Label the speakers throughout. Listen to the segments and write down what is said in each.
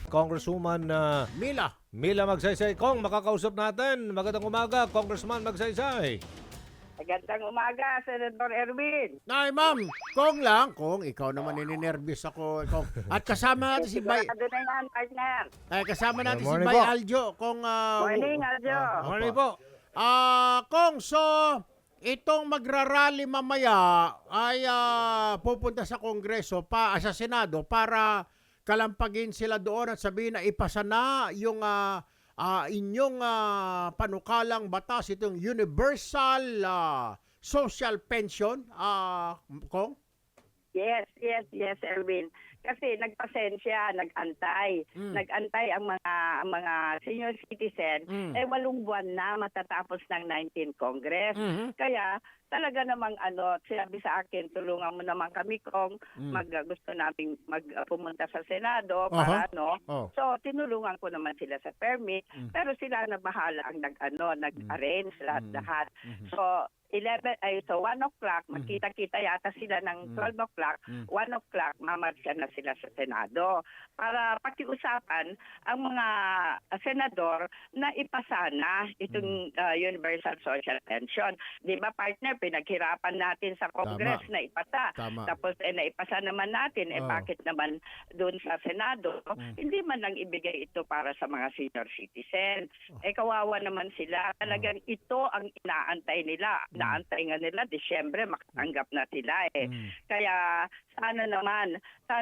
Speaker 1: Congresswoman Mila Magsaysay. Kong, makakausap natin. Magandang umaga, Congressman Magsaysay.
Speaker 2: Magandang umaga, Senator Erwin.
Speaker 3: Ay, ma'am, Kong, ikaw naman nininervyos ako. Kong. At kasama natin si Bay.
Speaker 2: Sigurado na yan, partner.
Speaker 3: Kasama natin si
Speaker 1: Morning
Speaker 3: Bay
Speaker 1: po.
Speaker 3: Aljo. Kong,
Speaker 2: Morning, Aljo.
Speaker 1: Morning po.
Speaker 3: Kong, so, itong magrarally mamaya ay pupunta sa Kongreso, sa Senado, para kalampagin sila doon at sabihin na ipasa na yung inyong panukalang batas, itong universal social pension, Kong?
Speaker 2: Yes, Erwin. Kasi nagpasensya, nag-antay. Nag-antay ang mga senior citizen. 8 buwan na matatapos ng 19th Congress. Kaya talaga namang sinabi sa akin, tulungan mo naman kami kung gusto nating pumunta sa Senado para So tinulungan ko naman sila sa permit, pero sila na bahala ang nag-arrange lahat. So 1 o'clock, magkita-kita yata sila ng 12 o'clock, 1 o'clock, mamarsya na sila sa Senado para pakiusapan ang mga senador na ipasa na itong Universal Social Pension. Di ba, partner, pinaghirapan natin sa Congress na ipasa. Tapos naipasa naman natin, bakit naman doon sa Senado, hindi man lang ibigay ito para sa mga senior citizen. Kawawa naman sila. Talagang ito ang inaantay nila. Naantay nga nila, Disyembre, makatanggap na sila Kaya sana naman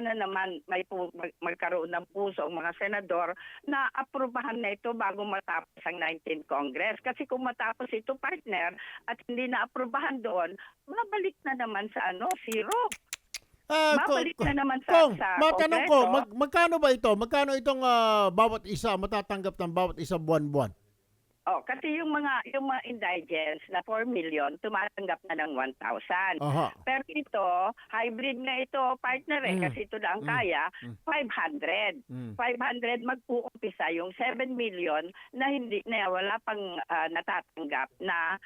Speaker 2: magkaroon ng puso ang mga senador na aprubahan na ito bago matapos ang 19th Congress. Kasi kung matapos ito, partner, at hindi na aprubahan doon, mabalik na naman sa zero. Babalik na naman sa
Speaker 3: matanong ko,
Speaker 2: Kongreso.
Speaker 3: magkano ba ito? Magkano itong bawat isa matatanggap ng bawat isa buwan-buwan?
Speaker 2: Kasi yung mga indigents na 4 million tumatanggap na ng 1,000. Pero ito, hybrid na ito, partner kasi ito lang kaya 500. 500 mag-uumpisa yung 7 million na wala pang natatanggap na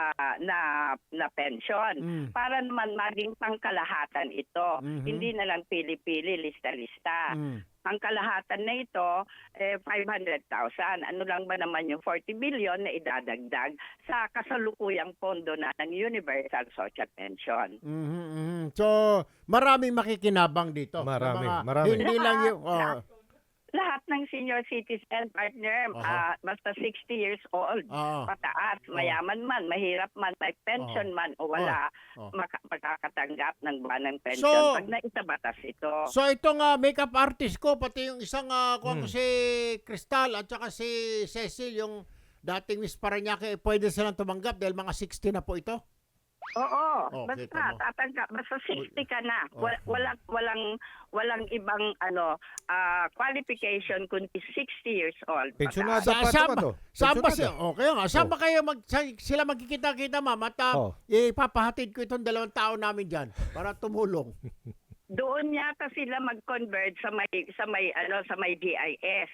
Speaker 2: pension. Para naman maging pangkalahatan ito. Hindi na lang pili-pili, lista-lista. Ang kalahatan na ito, 500,000. Ano lang ba naman yung 40 billion na idadagdag sa kasalukuyang pondo na ng Universal Social Pension.
Speaker 3: So, maraming makikinabang dito.
Speaker 1: Marami.
Speaker 3: Hindi lang yung...
Speaker 2: Lahat ng senior citizen, partner, basta 60 years old, pataas, mayaman man, mahirap man, may pension man o wala, makakatanggap ng buwan ng pension pag naisabatas ito.
Speaker 3: So itong makeup artist ko, pati yung isang si Crystal at saka si Cecil, yung dating Miss Parañaque, pwede silang tumanggap dahil mga 60 na po ito?
Speaker 2: Oo, basta tatanggap, basta 60 ka na. Walang ibang qualification kundi 60 years old.
Speaker 1: Pensionado pa ito ba to?
Speaker 3: Saan ba saan ba kayo sila magkikita-kita, ma'am? At ipapahatid ko itong 2 tao namin diyan para tumulong.
Speaker 2: Doon yata sila mag-convert sa may GIS.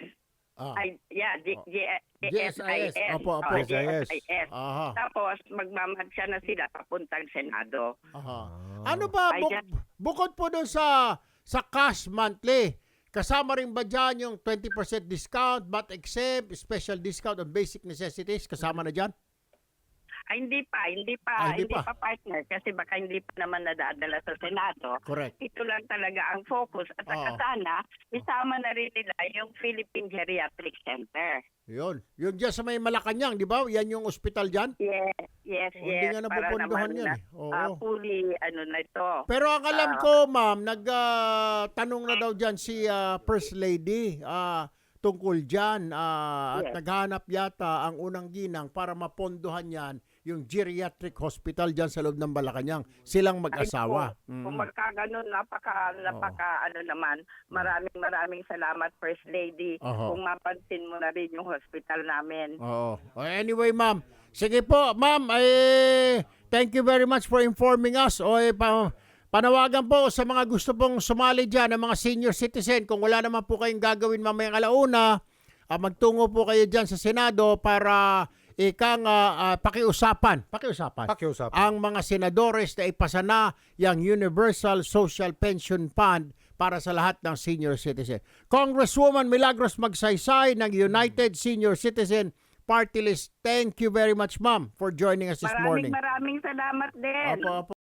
Speaker 3: GSIS. Opo.
Speaker 2: GSIS. Tapos magmamansya na sila papuntang Senado.
Speaker 3: Ano ba bukod po doon sa cash monthly, kasama rin ba dyan yung 20% discount, VAT exempt, special discount on basic necessities, kasama na dyan?
Speaker 2: Hindi pa partner kasi baka hindi pa naman nadadala sa Senado.
Speaker 3: Correct.
Speaker 2: Ito lang talaga ang focus at saka sana isama na rin nila yung Philippine Geriatric Center.
Speaker 3: Yun dyan sa may Malacanang, di ba? Yan yung ospital dyan?
Speaker 2: Yes.
Speaker 3: Hindi nga napupunduhan yan.
Speaker 2: Fully na ito.
Speaker 3: Pero ang alam ko, ma'am, nagtanong na daw dyan si First Lady tungkol dyan at naghanap yata ang unang ginang para mapondohan yan yung geriatric hospital dyan sa loob ng Malacanang. Silang mag-asawa.
Speaker 2: Kung magkaganon, napaka naman. Maraming salamat, First Lady. Kung mapansin mo na rin yung hospital namin.
Speaker 3: Anyway, ma'am. Sige po, ma'am. Thank you very much for informing us. Panawagan po sa mga gusto pong sumali dyan, ng mga senior citizen. Kung wala naman po kayong gagawin mamayang alauna, magtungo po kayo dyan sa Senado para pakiusapan ang mga senadores na ipasa na yung Universal Social Pension Fund para sa lahat ng senior citizen. Congresswoman Milagros Magsaysay ng United Senior Citizen Party List. Thank you very much, ma'am, for joining us this morning.
Speaker 2: Maraming salamat din.
Speaker 3: Opo, opo.